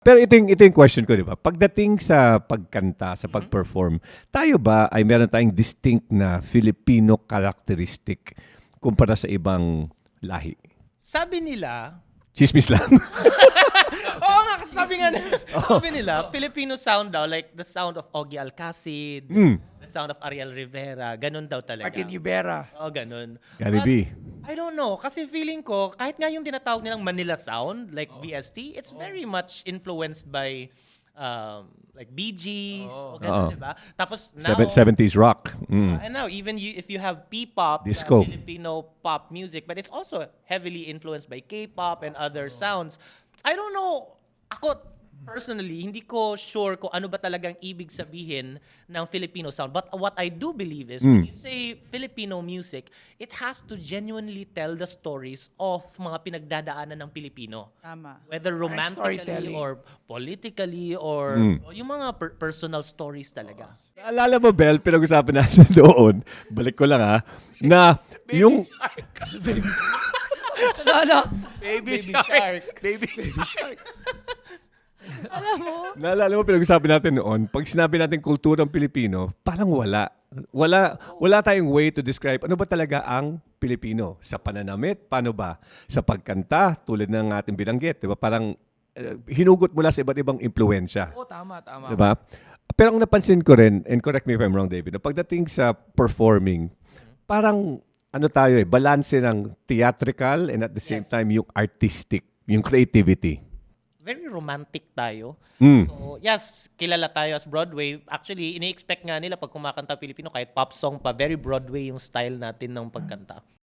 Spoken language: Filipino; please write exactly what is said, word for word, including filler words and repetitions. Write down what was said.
Pero ito yung, ito yung question ko, di ba? Pagdating sa pagkanta, sa pag-perform, tayo ba ay meron tayong distinct na Filipino characteristic kumpara sa ibang lahi? Sabi nila, Chismis lang. oo nga, kasi sabi nga, sabi nila, Filipino sound daw, like the sound of Ogie Alcacid, Mm. the sound of Ariel Rivera, ganun daw talaga. Martin Ibera. Oo, ganun. Gary But, B. I don't know, kasi feeling ko, kahit nga yung tinatawag nilang Manila sound, like V S T, it's very much influenced by um, like Bee Gees, o Oo. ganun, diba? Tapos now, Seven, seventies rock. Mm. and now, even you, if you have P-pop, uh, Disco. Filipino pop music, but it's also heavily influenced by K-pop and other sounds. I don't know. Ako, personally, hindi ko sure kung ano ba talagang ibig sabihin ng Filipino sound. But what I do believe is, when you say Filipino music, it has to genuinely tell the stories of mga pinagdadaanan ng Pilipino. Tama. Whether Parang romantically storytelling. or politically or o yung mga per- personal stories talaga. Naalala mo, Bel, pinag-usapan natin doon, balik ko lang ha, na yung... Ano, ano? Baby, shark. Baby, baby shark. Naalala mo, pinag-usapan natin noon, pag sinabi natin kulturang Pilipino, parang wala. Wala, wala tayong way to describe ano ba talaga ang Pilipino. Sa pananamit, paano ba? Sa pagkanta, tulad ng ating binanggit, di ba? Parang eh, hinugot mula sa iba't ibang impluensya. Oo, tama, tama. Di ba? Pero ang napansin ko rin, and correct me if I'm wrong, David, na pagdating sa performing, parang ano tayo eh, balance ng theatrical and at the same Yes. time yung artistic, yung creativity. Very romantic tayo. Mm. So, yes, kilala tayo as Broadway. Actually, ini-expect nga nila pag kumakanta Pilipino, kahit pop song pa, very Broadway yung style natin ng pagkanta.